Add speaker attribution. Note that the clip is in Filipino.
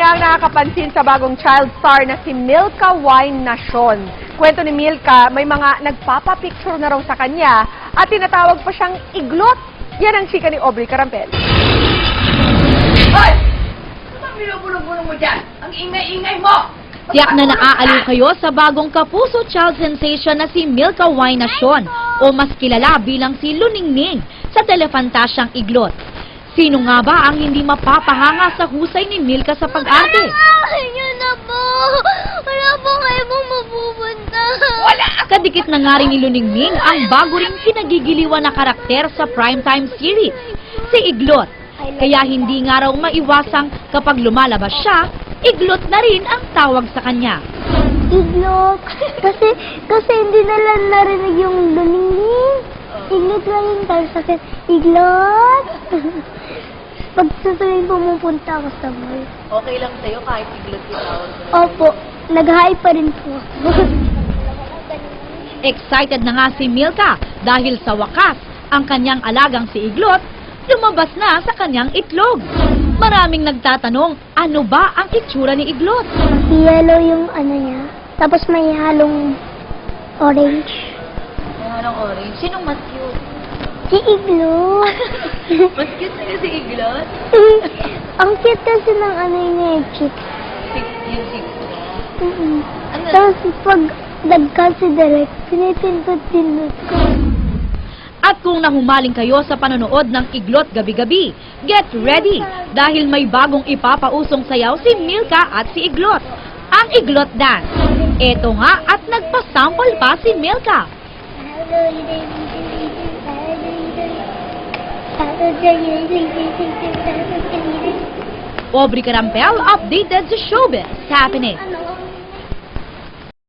Speaker 1: na ang nakakapansin sa bagong child star na si Milka Wine Nacion. Kwento ni Milka, may mga nagpapapicture na raw sa kanya at tinatawag pa siyang iglot. Yan ang chika ni Aubrey Carampel.
Speaker 2: Hoy! Ano bang binubulong-bulong mo dyan? Ang ingay-ingay mo!
Speaker 3: Tiyak na naaaliw kayo sa bagong kapuso child sensation na si Milka Wine Nacion o mas kilala bilang si Luningning sa telefantasyang iglot. Sino nga ba ang hindi mapapahanga sa husay ni Milka sa pag-arte?
Speaker 4: Ayun na po! Wala po kayo pong mapupunta!
Speaker 2: Wala!
Speaker 3: Kadikit na nga rin ni Luningning ang bago ring kinagigiliwan na karakter sa primetime series, si Iglot. Kaya hindi nga raw maiwasang kapag lumalabas siya, Iglot na rin ang tawag sa kanya.
Speaker 4: Iglot! Kasi hindi nila narinig yung luningning. Iglot lang yung tawag sa akin. Iglot! Pag susunod pumupunta ako sa mall.
Speaker 3: Okay lang sa'yo kahit Iglot yung tawag?
Speaker 4: Opo, nag-hi pa rin po ako.
Speaker 3: Excited na nga si Milka dahil sa wakas, ang kanyang alagang si Iglot lumabas na sa kanyang itlog. Maraming nagtatanong, ano ba ang itsura ni Iglot?
Speaker 4: Yellow yung ano niya. Tapos may halong orange.
Speaker 3: Anong orange? Sinong mas cute?
Speaker 4: Si Iglot.
Speaker 3: Mas cute na si Iglot?
Speaker 4: Ang cute kasi ng ano niya, chick.
Speaker 3: Yung six niya. Ano?
Speaker 4: Tapos pag nag-considerate, pinipindot-pindot ko.
Speaker 3: At kung nahumaling kayo sa panonood ng Iglot gabi-gabi, get ready dahil may bagong ipapausong sayaw si Milka at si Iglot, ang Iglot Dance. Eto nga at nagpasample pa si Milka. Aubrey Carampel updated sa showbiz happening.